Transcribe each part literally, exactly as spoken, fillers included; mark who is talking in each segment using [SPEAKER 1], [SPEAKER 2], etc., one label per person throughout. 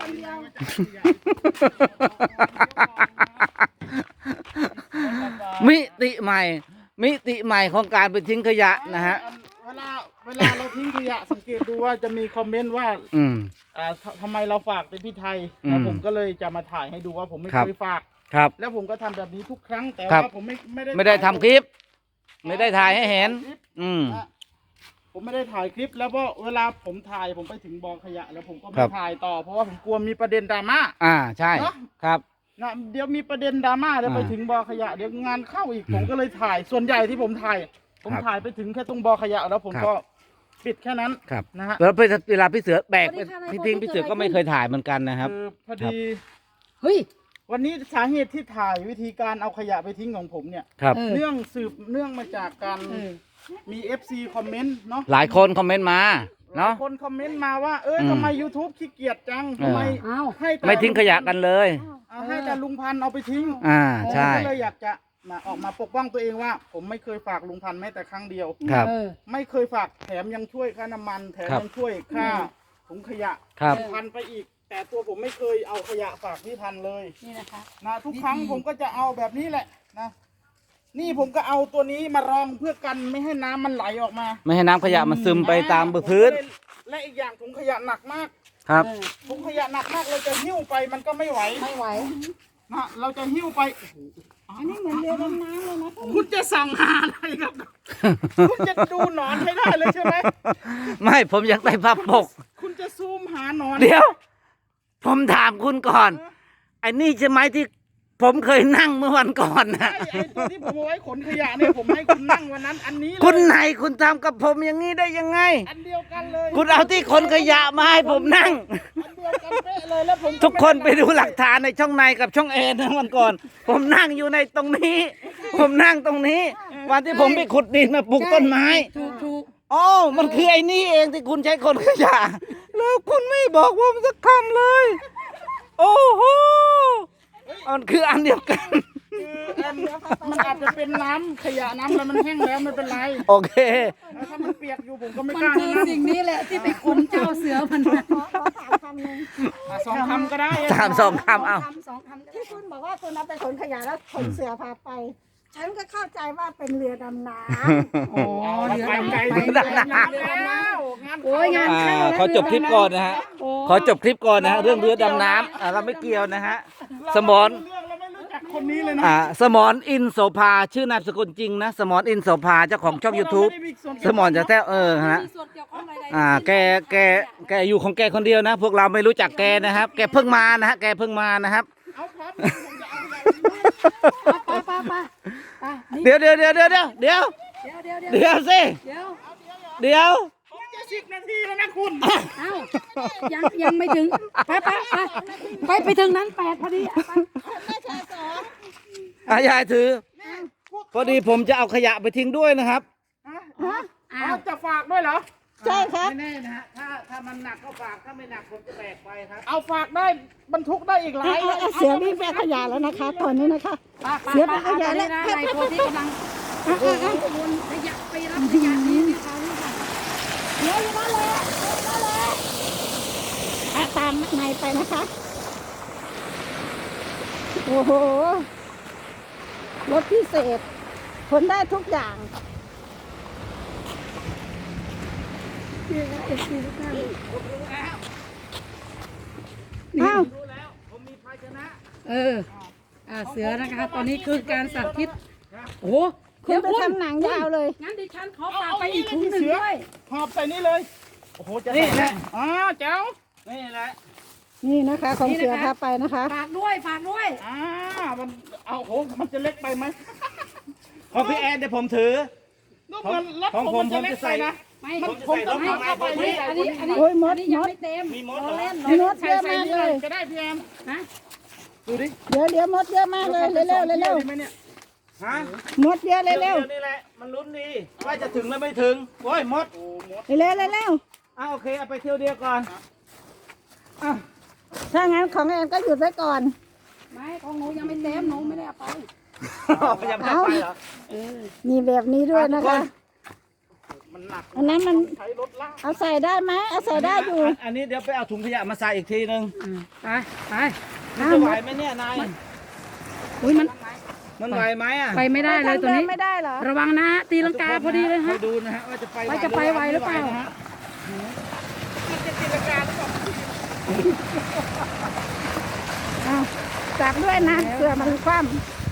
[SPEAKER 1] มิติใหม่ มิติใหม่ของการไปทิ้งขยะนะฮะ
[SPEAKER 2] เวลาเวลาเราทิ้งขยะสังเกตดูว่าจะมีคอมเมนต์ว่า
[SPEAKER 1] อืม
[SPEAKER 2] อ่าทำไมเราฝากเป็นพี่ไทยแล้วผมก็เลยจะมาถ่ายให้ดูว่าผมไม่เคยฝาก
[SPEAKER 1] ครับ
[SPEAKER 2] แล้วผมก็ทำแบบนี้ทุกครั้งแต่
[SPEAKER 1] ครั
[SPEAKER 2] ว่า
[SPEAKER 1] บ
[SPEAKER 2] ผมไม่ไม่ได้
[SPEAKER 1] ไม่ได้ทำคลิป ไม่ได้ถ่ายให้เห็น อืม
[SPEAKER 2] นะผมไม่ได้ถ่ายคลิป แล้วเพราะเวลาผมถ่ายผมไปถึงบอขยะ แล้วผมก็
[SPEAKER 1] ค
[SPEAKER 2] ไม่
[SPEAKER 1] รับ
[SPEAKER 2] ถ่ายต่อเพราะว่าผมกลัวมีประเด็นดราม่า
[SPEAKER 1] อ่าใช่
[SPEAKER 2] เนอะ
[SPEAKER 1] ครับ
[SPEAKER 2] นะเดี๋ยวมีประเด็นดราม่าเดี๋ยว
[SPEAKER 1] อ่า
[SPEAKER 2] ไปถึงบอขยะเดี๋ยวงานเข้าอีก
[SPEAKER 1] อืม
[SPEAKER 2] ผมก็เลยถ่ายส่วนใหญ่ที่ผมถ่าย ผม
[SPEAKER 1] ครับ
[SPEAKER 2] ถ่ายไปถึงแค่ตรงบอขยะแล้วผม
[SPEAKER 1] ครับ
[SPEAKER 2] ก็ปิดแค่นั้น
[SPEAKER 1] ครับ
[SPEAKER 2] นะฮะ
[SPEAKER 1] แล้วเวลาพี่เสือแบก
[SPEAKER 3] สวัสดีค่ะ
[SPEAKER 1] พี่ทิ้ง
[SPEAKER 3] นายพล
[SPEAKER 1] พี่เสือ
[SPEAKER 3] เกิดอะไร
[SPEAKER 1] ก็ไม่
[SPEAKER 3] ขึ้น
[SPEAKER 1] เคยถ่ายเหมือนกันนะครับ
[SPEAKER 2] คือพอ
[SPEAKER 1] ครับ
[SPEAKER 2] ดี
[SPEAKER 3] เฮ้ย
[SPEAKER 2] วันนี้สาเหตุที่ถ่ายวิธีการเอาขยะไปทิ้งของผมเนี่ย
[SPEAKER 1] ครับ
[SPEAKER 3] เออ
[SPEAKER 2] เนื่องสืบเนื่องมาจากการ
[SPEAKER 3] เออ
[SPEAKER 2] มี เอฟ ซี คอมเมนต์เนาะ
[SPEAKER 1] หลายคนคอมเมนต์มา
[SPEAKER 2] หลา
[SPEAKER 1] เนาะ
[SPEAKER 2] ยคนคอมเมนต์มาว่าเออ
[SPEAKER 1] อืม
[SPEAKER 2] ทำไม YouTube ขี้เกียจจังทำไม
[SPEAKER 3] เอ้า
[SPEAKER 2] ให้แต่
[SPEAKER 1] ไม่ทิ้งขยะกันเลย
[SPEAKER 2] เอาให้แต่ลุงพันธุ์เอาไปทิ้ง
[SPEAKER 1] อ่าใช่
[SPEAKER 2] ผมก็เลยอยากจะมาออกมาปกป้องตัวเองว่า ผมไม่เคยฝากลุงพันธุ์แม้แต่ครั้งเดียว
[SPEAKER 1] ครับ
[SPEAKER 3] เออ
[SPEAKER 2] ไม่เคยฝากแถมยังช่วยค่าน้ำมัน แถม
[SPEAKER 1] ครับ
[SPEAKER 2] ยังช่วยค่าถุงขยะ
[SPEAKER 1] ครับ
[SPEAKER 2] ลุงพันธุ์ไปอีก แต่ตัวผมไม่เคยเอาขยะฝากพี่พันธุ์เลย
[SPEAKER 3] นี่นะคะ
[SPEAKER 2] นะทุกครั้งผมก็จะเอาแบบนี้แหละนะนี่ผมก็เอาตัวนี้มารองเพื่อกันไม่ให้น้ำมันไหลออกมา
[SPEAKER 1] ไม่ให้น้ำขยะมันซึมไปตามพื้น
[SPEAKER 2] ผมก็เลยและอีกอย่างถุงขยะหนักมาก
[SPEAKER 1] ครับ
[SPEAKER 3] เออ
[SPEAKER 2] ถุงขยะหนักมากเราจะหิ้วไปมันก็ไม่ไหว
[SPEAKER 3] ไม่ไหว
[SPEAKER 2] นะเราจะหิ้วไป
[SPEAKER 3] อันนี้เหมือนเรือดำน้ำเลยนะ
[SPEAKER 2] คุณจะสั่งหาอะไรครับ คุณจะดูหนอนให้ได้เลยใช่ไหม
[SPEAKER 1] ไม่ผมอยากได้ภาพปก
[SPEAKER 2] คุณจะซูมหาหนอน
[SPEAKER 1] เดี๋ยว ผมถามคุณก่อนไอ้นี่ใช่ไหมที่ผมเคยนั่งเมื่อวันก่อนนะ
[SPEAKER 2] ไอ้ไอ้ตัวที่ผมเอาไว้ขนขยะเนี่ยผมให้คุณนั่งวันนั้น อันนี้เลย
[SPEAKER 1] คุณไหนคุณทำกับผมอย่างนี้ได้ยังไง
[SPEAKER 2] อันเดียวกันเลย
[SPEAKER 1] คุณเอาที่ขนขยะมาให้ผมนั่ง
[SPEAKER 2] อันเดียวกันเป๊ะเลยแล้วผม
[SPEAKER 1] ทุกคนไปดูหลักฐานในช่องในกับช่องเอนะวันก่อน ผมนั่งอยู่ในตรงนี้ ผมนั่งตรงนี้ วันที่ผมไปขุดดินมาปลูกต้นไม้
[SPEAKER 3] ถูกถูก
[SPEAKER 1] อ๋อมันคือไอ้นี่เองที่คุณใช้ขนขยะ แล้วคุณไม่บอกผมสักคำเลย โอ้โหมันคืออันเดียวกัน
[SPEAKER 2] คืออันมันอาจจะเป็นน้ำขยะน้ำอะไรมันแห้งแล้วไม่เป็นไร
[SPEAKER 1] โอเค
[SPEAKER 2] แล้วถ้ามันเปียกอยู่ผมก็ไม่
[SPEAKER 3] มัน
[SPEAKER 2] กล้า
[SPEAKER 3] คือ
[SPEAKER 2] นะ
[SPEAKER 3] สิ่งนี้แหละที่ไปขนเจ้าเสือมันมา
[SPEAKER 4] ขอขอถามคำหนึ่ง
[SPEAKER 2] อ่ะสองคำก็ได้
[SPEAKER 1] สามสองคำเอา
[SPEAKER 3] คำสองคำก็ได้
[SPEAKER 4] ที่คุณบอกว่าคุณเอาไปขนขยะแล้วขนเสือพาไป ฉันก็เข้าใจว่าเป็นเรือดำน้ำ
[SPEAKER 3] โอ้เรือ
[SPEAKER 2] ไป
[SPEAKER 3] ดำ
[SPEAKER 2] ไกล
[SPEAKER 3] น้ำไป
[SPEAKER 2] ถึง
[SPEAKER 3] เรือ
[SPEAKER 2] ดำ
[SPEAKER 3] ดำ
[SPEAKER 2] น้ำ
[SPEAKER 3] น้ำ
[SPEAKER 2] แล้วงาน
[SPEAKER 3] โอ้ยงาน
[SPEAKER 1] อ่าขอจบคลิปก่อนนะฮะ
[SPEAKER 3] โอ้
[SPEAKER 1] ขอจบคลิปก่อนนะฮะเรื่องเรือดำน้ำอ่าเราไม่เกี่ยวนะฮะ สมร
[SPEAKER 2] เรื่องเราไม่รู้จักคนนี้เลยนะ
[SPEAKER 1] อ่าสมรอินโสภาชื่อนามสกุลจริงนะ สมรอินโสภาเจ้าของช่อง YouTube สมรจะแท้เออฮะ
[SPEAKER 3] มีส่วนเกี่ยวข้องอะไร
[SPEAKER 1] อ่าแกแกแกอยู่ของแกคนเดียวนะ พวกเราไม่รู้จักแกนะครับ แกเพิ่งมานะฮะแกเพิ่งมานะครับ
[SPEAKER 2] เอาพร้อมผมจะเอาอะไร
[SPEAKER 3] ไปไปไปไป
[SPEAKER 1] เดี๋ยวเดี๋ยวเดี๋ยวเดี๋ยวเดี๋ยวเดี๋ยว
[SPEAKER 3] เดี๋ยวเดี๋ยวเดี๋ยว
[SPEAKER 1] เดี๋ยวสิ
[SPEAKER 3] เดี๋ยว
[SPEAKER 1] เดี๋ยว
[SPEAKER 2] ผมจะสิบนาทีแล้วนะคุณ
[SPEAKER 3] เอ้ายังยังไม่ถึงไปไปไปไปไปถึงนั้นแปดพอดีไป
[SPEAKER 1] อายายถือ พอดีผมจะเอาขยะไปทิ้งด้วยนะครับ
[SPEAKER 3] อ้า
[SPEAKER 2] เอา
[SPEAKER 3] ว
[SPEAKER 2] จะฝากด้วยเหรอ
[SPEAKER 4] ใช่ครับ
[SPEAKER 1] ไม่แน่นะฮะถ้าถ้ามันหนักก็ฝากถ้าไม่หนักผมจะแบกไปครับ
[SPEAKER 2] เอาฝากได้บรรทุกได้อีกหลา
[SPEAKER 4] เอา
[SPEAKER 2] ย
[SPEAKER 4] เอาเอาเสือวิ่งไปขยะแล้วนะคะ ตอนนี้นะคะ เสียไปขยะแล้ว
[SPEAKER 3] นายโพธิกำลังโอ้โหวนขยะไปรับขยะนี้ที่เขาค่ะ
[SPEAKER 4] เดี๋ยวอยู่นั่นเลยนั่นเลยอ่ะตามนายไปนะคะ โอ้โห รถพิเศษขนได้ทุกอย่าง อ้าว
[SPEAKER 1] รู้แล้วผมมีภาชนะ
[SPEAKER 3] เอออ่าเสือนะคะตอนนี้คือการสาธิตโอ้โห
[SPEAKER 4] คุณไปทำหนังยาวเลย
[SPEAKER 3] งั้นดิฉันขอฝากไปอีกถุงหนึ่งด้วย
[SPEAKER 2] หอบใส่นี่เลย โอ้โห จะ
[SPEAKER 1] นี่แหละ
[SPEAKER 2] อ๋อเจ้า
[SPEAKER 1] นี่แหละ
[SPEAKER 4] นี่นะคะ ของเสือพาไปนะคะ
[SPEAKER 3] ฝากด้วยฝากด้วย
[SPEAKER 2] อ่ามันเอาโหมันจะเล็กไปไหม
[SPEAKER 1] ของพี่แอนเดี๋ยวผมถือ
[SPEAKER 2] ก็เหมือนรถ
[SPEAKER 1] ของ
[SPEAKER 2] ผ
[SPEAKER 1] ผม ม
[SPEAKER 2] มันจะเล็ก
[SPEAKER 1] ผมจะใส่
[SPEAKER 2] ไปนะ
[SPEAKER 3] ไม่
[SPEAKER 1] ผมจะใส่รถ
[SPEAKER 3] ไม่
[SPEAKER 1] มา
[SPEAKER 3] เข้าไป
[SPEAKER 1] ผม
[SPEAKER 3] นี่อันนี้อันนี้
[SPEAKER 4] โอ้ยมด
[SPEAKER 3] อันนี้ยัง
[SPEAKER 4] มด
[SPEAKER 3] ไม่เต็ม
[SPEAKER 1] มีมด
[SPEAKER 3] รอ
[SPEAKER 1] เหรอ
[SPEAKER 3] เล่น
[SPEAKER 4] มีมด
[SPEAKER 2] ใส่
[SPEAKER 4] เยอะ
[SPEAKER 2] ใส่
[SPEAKER 4] มาก
[SPEAKER 2] นี่
[SPEAKER 4] เล
[SPEAKER 2] เลย
[SPEAKER 4] ย
[SPEAKER 2] จะได้พี่แอม
[SPEAKER 3] ฮะ
[SPEAKER 2] ดูดิ
[SPEAKER 4] เดี๋ยวเดี๋ยวมดเยอะมากเลยเร็วเร็วเร็วเร็ว
[SPEAKER 2] ดีไหมเนี่ย
[SPEAKER 1] ฮะ
[SPEAKER 4] มดเยอะเร็วเร็ว
[SPEAKER 1] ดี๋ยวนี่แหละ มันลุ้นดี ว่าจะถึงหรือไม่ถึง โอ้ยมด
[SPEAKER 2] โอ้หมด
[SPEAKER 4] เร็วเร็วเร็ว
[SPEAKER 1] อ่าโอเค เอาไปเที่ยวเดียวก่อน
[SPEAKER 4] อ่ะถ้างั้นของแอนก็หยุดไว้ก่อน
[SPEAKER 3] ไม่ของหนูยังไม่เต็มหนูไม่ได้เอาไป
[SPEAKER 1] ยังไม่ได้ไปเหรอ
[SPEAKER 3] เออ
[SPEAKER 4] มีแบบนี้ด้วยนะคะ
[SPEAKER 1] มัน
[SPEAKER 2] มันหนัก
[SPEAKER 4] อันนั้นมัน
[SPEAKER 2] ใช้รถลาก
[SPEAKER 4] เอาใส่ได้ไหมเอาใส่ได้อยู่
[SPEAKER 1] อันนี้เดี๋ยวไปเอาถุงขยะมาใส่อีกทีนึง
[SPEAKER 3] อ่าไปไป
[SPEAKER 1] มันจะไหวไหมเนี่ยนาย
[SPEAKER 3] อุ้ยมัน
[SPEAKER 1] มันไหวไหมอ่ะ
[SPEAKER 3] ไปไม่ได้เลยตัวนี้
[SPEAKER 4] ไม่ได้เหรอ
[SPEAKER 3] ระวังนะตีลังกาพอดีเลยฮะ
[SPEAKER 1] คอยดูนะฮะว่าจะไป
[SPEAKER 3] ว่าจะไปไหวหรือเปล่า
[SPEAKER 1] นะฮะ
[SPEAKER 4] เอาจับด้วยนะเผื่อมันคว่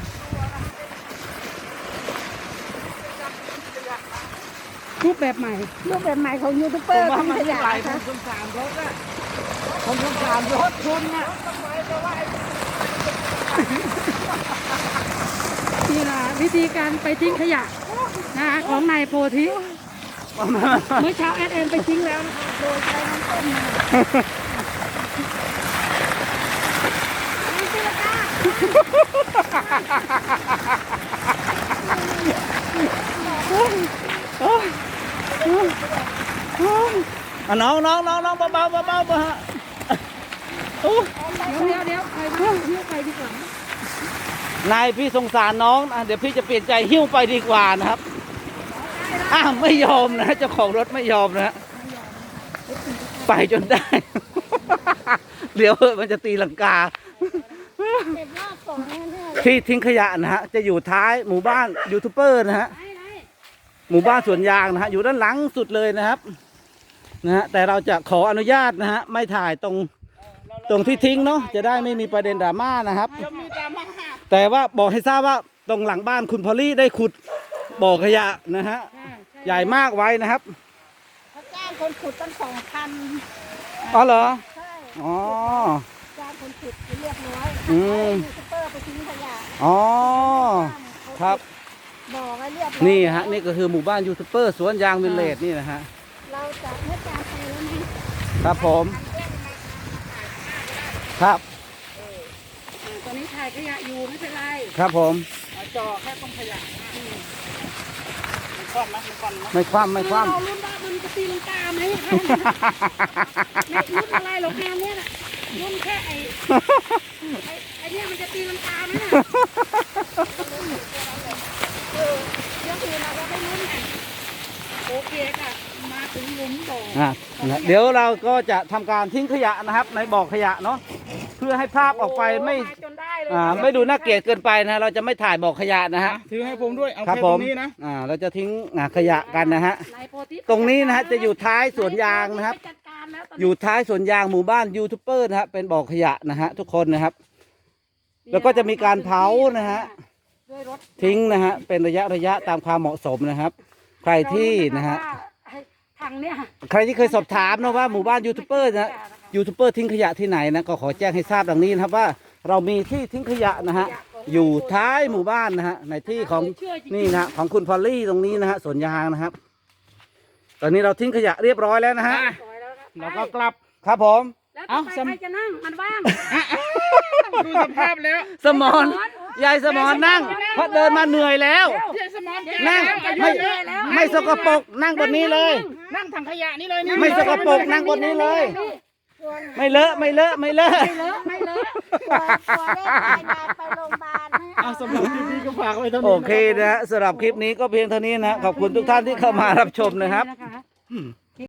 [SPEAKER 3] รูปแบบใหม่
[SPEAKER 4] ำรูปแบบใหม่ของยูทูบเบ
[SPEAKER 1] ผ
[SPEAKER 4] อ
[SPEAKER 1] ม
[SPEAKER 4] ร์
[SPEAKER 1] ว่า
[SPEAKER 4] ทิ้ง
[SPEAKER 1] มัน
[SPEAKER 4] ขยะ
[SPEAKER 1] ไหล
[SPEAKER 4] นะ
[SPEAKER 1] ผ
[SPEAKER 4] คะ
[SPEAKER 1] มสงสารรถอ่ะผมสงสารรถคุณน่ะ
[SPEAKER 3] นี่นะวิธีการไปทิ้งขยะนะคะของนายโพธิเมื่อเช้าแอดเอ็นไปทิ้งแล้วนะคะโดยใช้น้ำต้มมา
[SPEAKER 1] อ่ะน้องน้องน้องน้องเบาเบาเบาเบาเบาฮะโอ้
[SPEAKER 3] เดี๋ยวเดี๋ยวเดี๋ยวไปบ้านหิ้วไปดีกว่าน
[SPEAKER 1] ายพี่สงสารน้องอ่ะเดี๋ยวพี่จะเปลี่ยนใจหิ้วไปดีกว่านะครับอ้าวไม่ยอมนะเจ้าของรถไม่ยอมนะฮะไปจนได้ เดี๋ยวมันจะตีลังกา
[SPEAKER 4] เก็บรอบสองนั่นเนี่ย
[SPEAKER 1] ที่ทิ้งขยะนะฮะจะอยู่ท้ายหมู่บ้านยูทูบเบอร์นะฮะหมู่บ้านสวนยางนะฮะอยู่ด้านหลังสุดเลยนะครับนะฮะแต่เราจะขออนุญาตนะฮะไม่ถ่ายตรงตรงที่ทิ้งเนาะจะได้ไม่มีประเด็นดราม่านะครับ
[SPEAKER 2] จะมีดราม่า
[SPEAKER 1] แต่ว่าบอกให้ทราบว่าตรงหลังบ้านคุณพอลลี่ได้ขุดบ่อขยะนะฮะใหญ่มากไว้นะครับ
[SPEAKER 4] เขาจ้างคนขุดตั้งสองพัน
[SPEAKER 1] อ๋อเหรอ
[SPEAKER 4] ใช่
[SPEAKER 1] อ๋อ
[SPEAKER 4] จ้างคนขุดเรียบร้อย
[SPEAKER 1] อืม
[SPEAKER 4] ยูทูบเบอร์ไปทิ้งขยะ
[SPEAKER 1] อ๋อครับ
[SPEAKER 4] บอกไว้เรียบร้อย
[SPEAKER 1] นี่ฮะนี่ก็คือหมู่บ้านยูทูบเบอร์สวนยางวิลเลจนี่นะฮะ
[SPEAKER 4] เราจะไม่จางไปแล้วนะครับ
[SPEAKER 1] ผมครับ
[SPEAKER 3] ตอนนี้ถ่ายขยะอยู่ไม่เป็นไร
[SPEAKER 1] ครับผม
[SPEAKER 2] จอแค่ต้องขยะมันคว่ำไหมมันคว่ำไหม
[SPEAKER 1] ไม่คว่ำไม่คว่
[SPEAKER 3] เรารุ่นว่ามันจะตีลังกาไหมคะไม่รุ่นอะไรหรอกงานเนี้ยน่ะรุ่นแค่ไอ้ไอ้ไอ้เนี่ยมันจะตีลังกาไหมน่ะเออเรื่องอื่นเราก็ไม่รู้ไงโอเคค่ะมาถึงหลุมบ่อ
[SPEAKER 1] ำอ่ะนะเดี๋ยวเราก็จะทำการทิ้งขยะนะครับ ในบ่อขยะเนาะเพื่อให้ภาพออกไปไม่
[SPEAKER 3] าจนได้เลย
[SPEAKER 1] อ่าไม่ดูน่าเกลียดเกินไปนะเราจะไม่ถ่ายบ่อขยะนะฮะ
[SPEAKER 2] ถือให้ผมด้วย เอา
[SPEAKER 1] ครับ
[SPEAKER 2] แค่
[SPEAKER 1] ผ
[SPEAKER 2] ตร
[SPEAKER 1] ม
[SPEAKER 2] งนี้นะ
[SPEAKER 1] อ่าเราจะทิ้งอ่าขยะกันนะฮะ
[SPEAKER 3] นายโพธิ
[SPEAKER 1] ตรงนี้นะฮะจะอยู่ท้ายสวนยางนะครับ
[SPEAKER 3] ไปจัดการแล้วตน
[SPEAKER 1] อ
[SPEAKER 3] นี้
[SPEAKER 1] ยู่ท้ายสวนยางหมู่บ้านยูทูบเบอร์นะฮะเป็นบ่อขยะนะฮะทุกคนนะครับ แล้วก็จะมีการเผานะฮะ
[SPEAKER 3] ด้วยรถ
[SPEAKER 1] ทิ้งนะฮะเป็นระยะระยะตามความเหมาะสมนะครับ ใครที่นะฮะ
[SPEAKER 3] ให้ถังเนี่ย
[SPEAKER 1] ใครที่เคยสอบถามนะว่าหมู่บ้านยูทูบเบอร์นะฮะยูทูบเบอร์ทิ้งขยะที่ไหนนะก็ขอแจ้งให้ทราบดังนี้นะครับว่าเรามีที่ทิ้งขยะนะฮะอยู่ท้ายหมู่บ้านนะฮะในที่ของนี่นะฮะของคุณพอลลี่ตรงนี้นะฮะสวนยางนะครับ ตอนนี้เราทิ้งขยะเรียบร้อยแล้วนะฮะ
[SPEAKER 2] แล้วก็กลับ
[SPEAKER 1] ครับผม
[SPEAKER 3] แล้วต่อไปใครจะนั่งมันว่าง
[SPEAKER 2] ดูสภาพแล้ว
[SPEAKER 1] สมอนยายสมอนนั่งเพราะเดินมาเหนื่อยแล้ว
[SPEAKER 2] เจ๊สมอน
[SPEAKER 1] นั่งไม่ไม่สกปรกนั่งบนนี้เลย
[SPEAKER 2] นั่งถังขยะนี่เลยนี่
[SPEAKER 1] ไม่สกปรกนั่งบนนี้เลย ไม่เลอะไม่เลอะไม่เลอะ
[SPEAKER 3] ไม่เลอะไม่เลอะ
[SPEAKER 4] กลัวกลัวได้พายายไปโรงพยาบาลให้
[SPEAKER 2] เอาสมอนที่นี่ก็ฝากไว้เท่านี้
[SPEAKER 1] โอเคนะฮะสำหรับคลิปนี้ก็เพียงเท่านี้นะขอบคุณทุกท่านที่เข้ามารับชมนะครับ
[SPEAKER 3] นะคะ